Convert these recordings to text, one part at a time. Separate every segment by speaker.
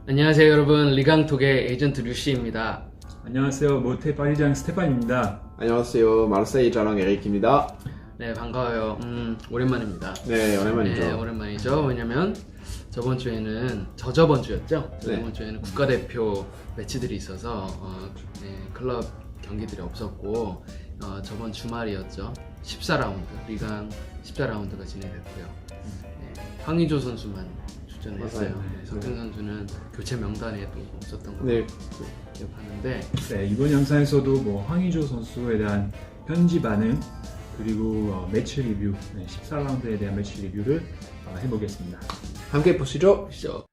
Speaker 1: 안녕하세요 여러분, 리강톡의 에이전트 류씨입니다.
Speaker 2: 안녕하세요. 모테 파리장 스테판입니다.
Speaker 3: 안녕하세요. 마르세이 자랑 에릭입니다.
Speaker 1: 네, 반가워요. 오랜만입니다.
Speaker 3: 네, 오랜만이죠.
Speaker 1: 네, 오랜만이죠. 왜냐면 저번 주에는 저번 주였죠.
Speaker 3: 네.
Speaker 1: 저번 주에는 국가대표 매치들이 있어서 클럽 경기들이 없었고 저번 주말이었죠. 14라운드 리강 14라운드가 진행됐고요. 황의조 선수만 출전했어요.
Speaker 3: 맞아요.
Speaker 1: 석현 선수는 교체 명단에 또 없었던 걸로
Speaker 3: 네,
Speaker 1: 기억하는데
Speaker 2: 네, 이번 영상에서도 황의조 선수에 대한 현지 반응 그리고 매치 리뷰, 14라운드에 대한 매치 리뷰를 해보겠습니다.
Speaker 3: 함께 보시죠.
Speaker 1: 보시죠.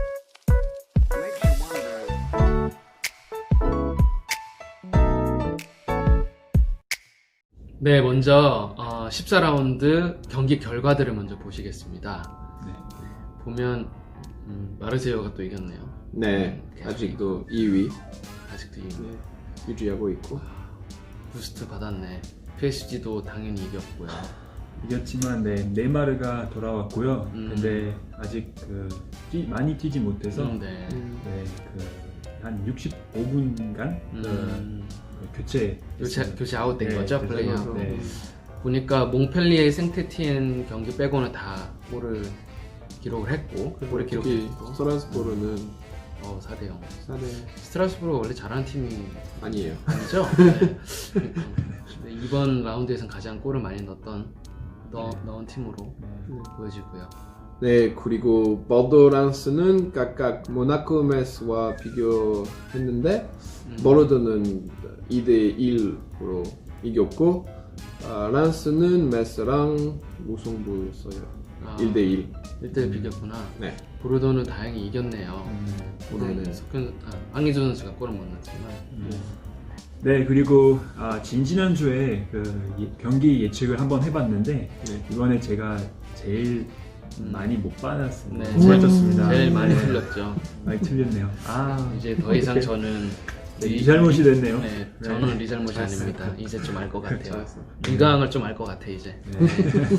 Speaker 1: 네, 먼저 14라운드 경기 결과들을 먼저 보시겠습니다.
Speaker 2: 네.
Speaker 1: 보면 마르세유가 또 이겼네요.
Speaker 3: 네,
Speaker 1: 계속
Speaker 3: 아직도 2위
Speaker 1: 아직도 이기고
Speaker 3: 네, 유지하고 있고.
Speaker 1: 부스트 받았네. PSG도 당연히 이겼고요.
Speaker 2: 이겼지만 네이마르가 돌아왔고요.
Speaker 1: 음.
Speaker 2: 근데 아직 많이 뛰지 못해서
Speaker 1: 네.
Speaker 2: 한 65분간 교체
Speaker 1: 교체 아웃된 거죠,
Speaker 2: 그래서,
Speaker 1: 플레이하고.
Speaker 2: 네.
Speaker 1: 보니까 몽펠리에 생테티엔 경기 빼고는 다 골을 기록을 했고, 골을
Speaker 3: 특히
Speaker 1: 기록했고.
Speaker 3: 스트라스부르는
Speaker 1: 4대0.
Speaker 3: 4대
Speaker 1: 스트라스부르가 원래 잘하는 팀이
Speaker 3: 아니에요.
Speaker 1: 아니죠? 네. 근데 이번 라운드에서는 가장 골을 많이 넣은 팀으로 보여지고요.
Speaker 3: 네, 그리고 보르도랑스는 각각 모나코 메스와 비교했는데 보르도는 2대1으로 이겼고 란스는 메스랑 무승부였어요. 1대1.
Speaker 1: 1대1 비겼구나.
Speaker 3: 네.
Speaker 1: 보르도는 다행히 이겼네요. 골은
Speaker 3: 네네.
Speaker 1: 황의조 선수가 골을 못 넣었지만.
Speaker 2: 네, 그리고 지난주에 경기 예측을 한번 해봤는데
Speaker 3: 네.
Speaker 2: 이번에 제가 제일 많이 못 받았습니다.
Speaker 1: 네,
Speaker 2: 못 맞췄습니다.
Speaker 1: 제일 많이
Speaker 2: 네,
Speaker 1: 틀렸죠.
Speaker 2: 많이 틀렸네요.
Speaker 1: 이제 더 이상
Speaker 2: 어떡해.
Speaker 1: 저는
Speaker 2: 네 잘못이 됐네요.
Speaker 1: 네, 저는
Speaker 2: 네.
Speaker 1: 리 잘못이
Speaker 2: 잘했어요.
Speaker 1: 아닙니다. 이제 좀 알 것 같아요.
Speaker 3: 잘했어.
Speaker 1: 리강을 좀 알 것 같아 이제.
Speaker 2: 네.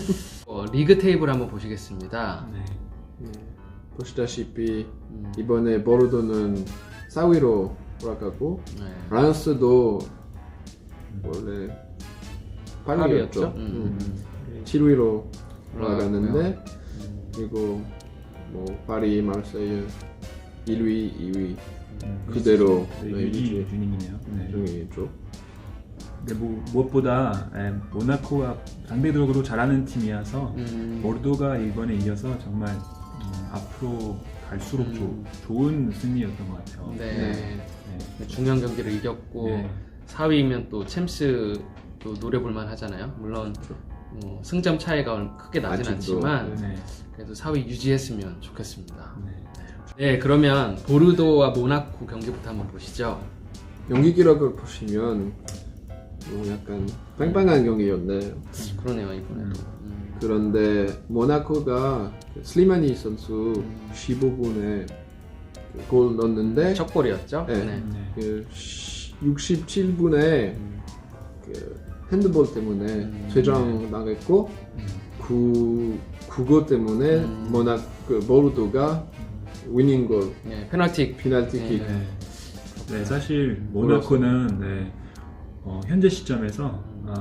Speaker 1: 리그 테이블 한번 보시겠습니다.
Speaker 2: 네.
Speaker 3: 네. 보시다시피 이번에 보르도는 4위로 올라가고
Speaker 1: 네.
Speaker 3: 란스도 원래 8위였죠. 7위로 올라갔는데 그리고 파리, 마르세유 1위, 2위 그대로
Speaker 2: 유지 중이네요. 네.
Speaker 3: 중이죠.
Speaker 2: 근데 무엇보다 모나코가 상대적으로 잘하는 팀이어서 보르도가 이번에 이겨서 정말 앞으로 갈수록 좋은 승리였던 것 같아요.
Speaker 1: 네.
Speaker 2: 네.
Speaker 1: 중요한 경기를 이겼고
Speaker 2: 네.
Speaker 1: 4위면 또 챔스도 노려볼만 하잖아요. 물론 승점 차이가 크게 나진
Speaker 3: 아직도,
Speaker 1: 않지만
Speaker 2: 네.
Speaker 1: 그래도 4위 유지했으면 좋겠습니다.
Speaker 2: 네.
Speaker 1: 네, 그러면 보르도와 모나코 경기부터 한번 보시죠.
Speaker 3: 경기 기록을 보시면 약간 빵빵한 경기였네.
Speaker 1: 그러네요, 이번에도.
Speaker 3: 그런데 모나코가 슬리마니 선수 15분에 골 넣었는데
Speaker 1: 첫 골이었죠?
Speaker 3: 네.
Speaker 1: 네.
Speaker 2: 네.
Speaker 3: 67분에 핸드볼 때문에 퇴장 당했고 그거 때문에 보르도가 위닝골
Speaker 1: 네, 페널티킥.
Speaker 3: 페널티킥
Speaker 2: 네, 사실 모나코는 현재 시점에서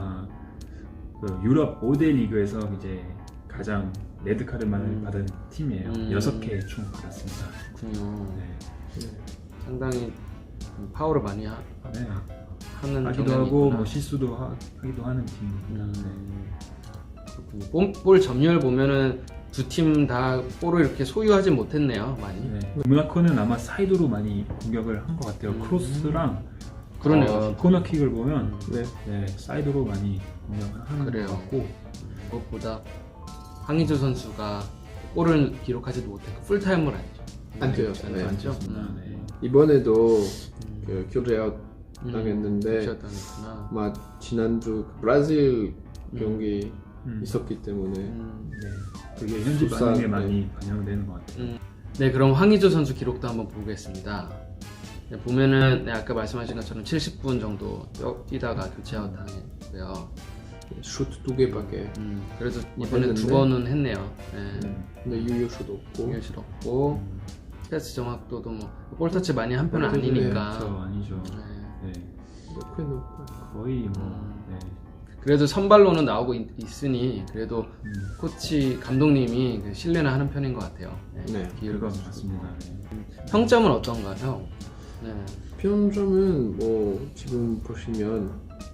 Speaker 2: 유럽 5대 리그에서 이제 가장 레드카드만을 받은 팀이에요. 6개 총 받았습니다.
Speaker 1: 그렇군요.
Speaker 2: 네.
Speaker 1: 상당히 파워를 많이
Speaker 2: 네.
Speaker 1: 하는
Speaker 2: 하기도
Speaker 1: 경향이
Speaker 2: 하고
Speaker 1: 있구나.
Speaker 2: 실수도 하기도 하는 팀입니다.
Speaker 1: 그렇군요. 볼 점유율 보면은 두 팀 다 볼을 이렇게 소유하지 못했네요, 많이.
Speaker 2: 네. 모나코는 아마 사이드로 많이 공격을 한 것 같아요. 크로스랑
Speaker 1: 그러네요.
Speaker 2: 코너킥을 보면
Speaker 3: 네.
Speaker 2: 사이드로 많이 공격을 하는
Speaker 1: 그래요.
Speaker 2: 것 같고
Speaker 1: 무엇보다 황의조 선수가 골을 기록하지도 못했고 풀타임을
Speaker 3: 안 뛰어요.
Speaker 1: 네,
Speaker 3: 네.
Speaker 1: 안 뛰었죠.
Speaker 2: 네.
Speaker 3: 이번에도 교체 아웃 당했는데
Speaker 1: 당했구나.
Speaker 3: 막 지난주 브라질 경기 있었기 때문에
Speaker 2: 네. 그게 현지
Speaker 3: 숫자,
Speaker 2: 반응에 많이 반영되는 것 같아요.
Speaker 1: 네, 그럼 황의조 선수 기록도 한번 보겠습니다. 네, 보면은 아까 말씀하신 것처럼 70분 정도 뛰다가 교체 아웃 당했고요.
Speaker 3: 슛 2개밖에
Speaker 1: 그래도 이번에
Speaker 3: 했는데.
Speaker 1: 2번은 했네요. 네.
Speaker 3: 근데 유효슛 없고
Speaker 1: 유효실 없고 패스 정확도도 뭐 볼터치 많이 한 편은 아니니까.
Speaker 2: 그렇죠, 아니죠.
Speaker 1: 네.
Speaker 2: 네.
Speaker 3: 높게 높아.
Speaker 2: 거의 뭐 네.
Speaker 1: 그래도 선발로는 나오고 있으니 그래도
Speaker 2: 음,
Speaker 1: 코치 감독님이 그 신뢰는 하는 편인 것 같아요.
Speaker 3: 네,
Speaker 1: 기회를
Speaker 2: 그건
Speaker 1: 주고.
Speaker 2: 맞습니다. 네.
Speaker 1: 평점은 어떤가요? 네.
Speaker 3: 평점은 뭐 지금 보시면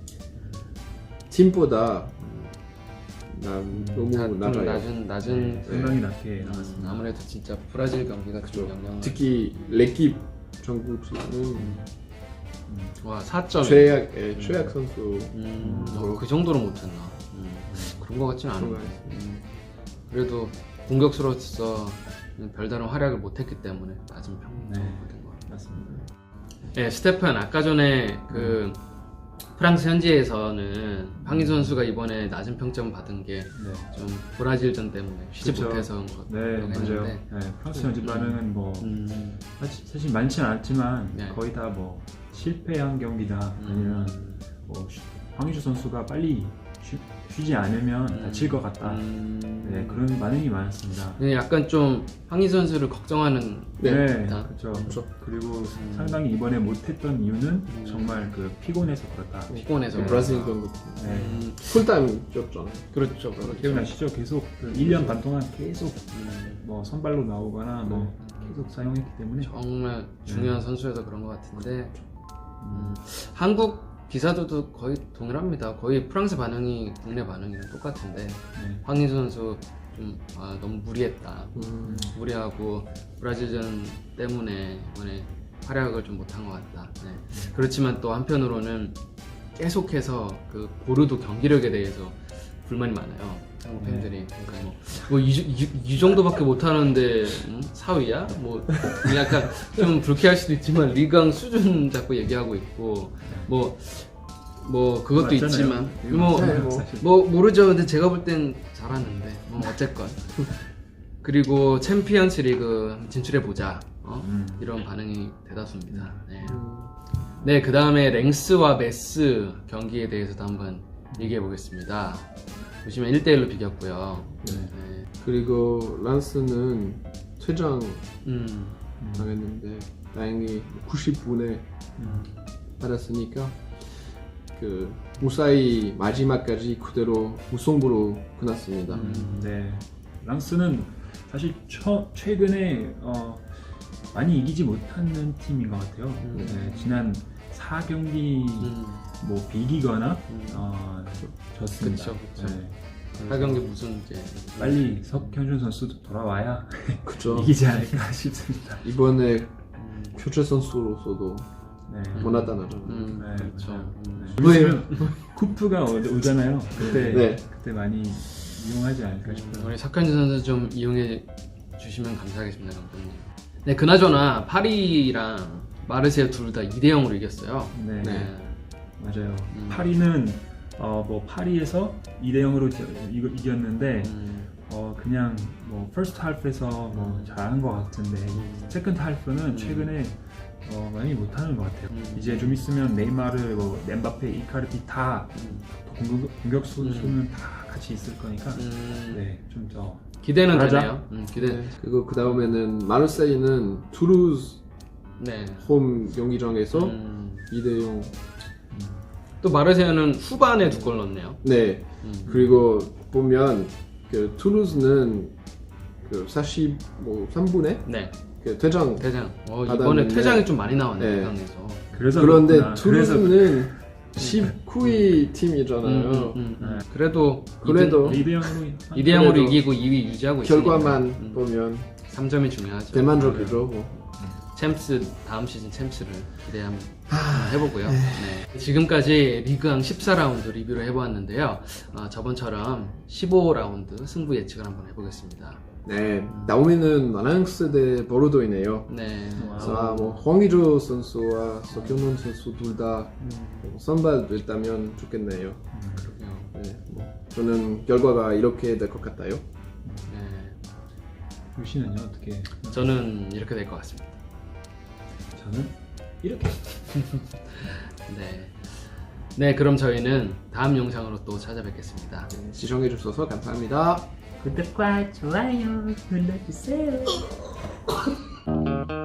Speaker 3: 팀보다 너무
Speaker 1: 좀
Speaker 3: 낮아요.
Speaker 1: 낮은
Speaker 2: 상당히 낮게 나왔습니다.
Speaker 1: 아무래도 진짜 브라질 경기가 좀
Speaker 3: 그렇죠.
Speaker 1: 영향을.
Speaker 3: 특히 레킵 전국팀은
Speaker 1: 와 4점.
Speaker 3: 최악 선수.
Speaker 1: 그 정도로 못했나? 그런 것 같지는
Speaker 3: 그런
Speaker 1: 않은데.
Speaker 3: 거
Speaker 1: 그래도 공격수로서 별다른 활약을 못했기 때문에 낮은 평점이
Speaker 2: 네.
Speaker 1: 된 것 같아요.
Speaker 2: 맞습니다.
Speaker 1: 네, 스테판 아까 전에 그 프랑스 현지에서는 황희 선수가 이번에 낮은 평점 받은 게 좀
Speaker 2: 네.
Speaker 1: 브라질전 때문에 쉬지
Speaker 2: 그쵸.
Speaker 1: 못해서 온 것
Speaker 2: 네,
Speaker 1: 같다고
Speaker 2: 맞아요.
Speaker 1: 했는데.
Speaker 2: 네, 프랑스 현지 반응은 뭐 사실 많지는 않지만
Speaker 1: 네.
Speaker 2: 거의 다 뭐 실패한 경기다 아니면 뭐 황의조 선수가 빨리 쉬지 않으면 다칠 것 같다. 네, 그런 반응이 많았습니다.
Speaker 1: 근데 약간 좀 황희 선수를 걱정하는
Speaker 3: 네.
Speaker 1: 듯한.
Speaker 2: 그렇죠. 그리고 상당히 이번에 못했던 이유는 정말 그 피곤해서 그렇다.
Speaker 1: 피곤해서
Speaker 2: 네.
Speaker 3: 브라질 전국팀.
Speaker 2: 네.
Speaker 3: 풀타임 뛰었잖아요.
Speaker 1: 그렇죠.
Speaker 2: 기억나시죠? 계속 그 1년 반 동안 계속 뭐 선발로 나오거나 뭐 계속 사용했기 때문에
Speaker 1: 정말 중요한 선수여서 그런 것 같은데 한국 기사들도 거의 동일합니다. 거의 프랑스 반응이 국내 반응이랑 똑같은데
Speaker 2: 네.
Speaker 1: 황희 선수 좀 너무 무리했다. 무리하고 브라질전 때문에 이번에 활약을 좀 못한 것 같다. 네. 그렇지만 또 한편으로는 계속해서 그 보르도 경기력에 대해서 불만이 많아요. 한국 팬들이. 그러니까 이 정도밖에 못하는데 4위야? 뭐 약간 좀 불쾌할 수도 있지만 리강 수준 자꾸 얘기하고 있고 뭐 그것도
Speaker 2: 맞잖아요.
Speaker 1: 있지만
Speaker 2: 이거
Speaker 1: 뭐
Speaker 2: 맞잖아요, 사실.
Speaker 1: 모르죠. 근데 제가 볼 땐 잘하는데 뭐 어쨌건 그리고 챔피언스 리그 진출해 보자. 이런 반응이 대다수입니다. 네. 네, 그 다음에 랭스와 메스 경기에 대해서도 한번 얘기해 보겠습니다. 보시면 1대1로 비겼고요. 네.
Speaker 3: 그리고 란스는 퇴장
Speaker 1: 음,
Speaker 3: 당했는데 다행히 90분에 받았으니까 그 무사히 마지막까지 그대로 무승부로 끝났습니다.
Speaker 2: 네. 랑스는 사실 최근에 많이 이기지 못하는 팀인 것 같아요. 네, 지난 4경기 뭐 비기거나 졌습니다.
Speaker 1: 그쵸.
Speaker 2: 네.
Speaker 1: 4경기 무슨 이제
Speaker 2: 빨리 석현준 선수도 돌아와야
Speaker 3: 그죠.
Speaker 2: 이기지 않을까 싶습니다.
Speaker 3: 이번에 교체 선수로서도
Speaker 2: 네.
Speaker 3: 못 나타나잖아요.
Speaker 2: 네,
Speaker 1: 그렇죠.
Speaker 2: 맞아요.
Speaker 1: 네.
Speaker 2: 왜냐면 쿠프가 오잖아요. 그때
Speaker 3: 네.
Speaker 2: 그때 많이 이용하지 않을까 싶어요.
Speaker 1: 우리 석현진 선수 좀 이용해 주시면 감사하겠습니다, 감독님. 네, 그나저나 파리랑 마르세유 둘 다 2대0으로 이겼어요.
Speaker 2: 네.
Speaker 1: 네.
Speaker 2: 맞아요. 파리는 뭐 파리에서 2대0으로 이겼는데 그냥 뭐 퍼스트 할프에서 뭐 잘하는 것 같은데 세컨드 할프는 최근에 많이 못하는 것 같아요. 이제 좀 있으면 네이마르, 뭐 엠바페, 이카르디 다 공격수는 다 같이 있을 거니까 네, 좀 더
Speaker 1: 기대는
Speaker 2: 잘하자.
Speaker 1: 되네요. 기대.
Speaker 3: 그리고 그 다음에는 마르세유는 투루즈
Speaker 1: 네.
Speaker 3: 홈 경기장에서 2대0.
Speaker 1: 또 마르세유는 후반에 2골 넣었네요.
Speaker 3: 네. 그리고 보면 그 투루즈는 그 43분에
Speaker 1: 네.
Speaker 3: 그 퇴장.
Speaker 1: 이번에
Speaker 3: 받았는데,
Speaker 1: 퇴장이 좀 많이 나왔네요.
Speaker 3: 네.
Speaker 1: 대강에서.
Speaker 2: 그래서
Speaker 3: 그런데
Speaker 2: 그렇구나.
Speaker 3: 투루즈는 19위 팀이잖아요.
Speaker 1: 그래도
Speaker 2: 2대0으로
Speaker 1: 2대0으로 이기고 2위 유지하고 있으니까
Speaker 3: 결과만 보면
Speaker 1: 3점이 중요하죠.
Speaker 3: 대만족이죠. 뭐.
Speaker 1: 챔스 다음 시즌 챔스를 기대한번 해보고요. 네. 지금까지 리그왕 14라운드 리뷰를 해보았는데요. 저번처럼 15라운드 승부 예측을 한번 해보겠습니다.
Speaker 3: 네, 나오미는 아나양스 대 보르도이네요.
Speaker 1: 네.
Speaker 3: 그래서 뭐 황의조 선수와 석현원 선수 둘 다 선발됐다면 좋겠네요.
Speaker 1: 그러게요.
Speaker 3: 네, 뭐 저는 결과가 이렇게 될 것 같아요.
Speaker 1: 네.
Speaker 2: 유씨는요 어떻게?
Speaker 1: 저는 이렇게 될 것 같습니다.
Speaker 2: 저는 이렇게.
Speaker 1: 네. 네, 그럼 저희는 다음 영상으로 또 찾아뵙겠습니다.
Speaker 3: 시청해 주셔서 감사합니다.
Speaker 2: 구독과 좋아요 눌러주세요.
Speaker 3: 네.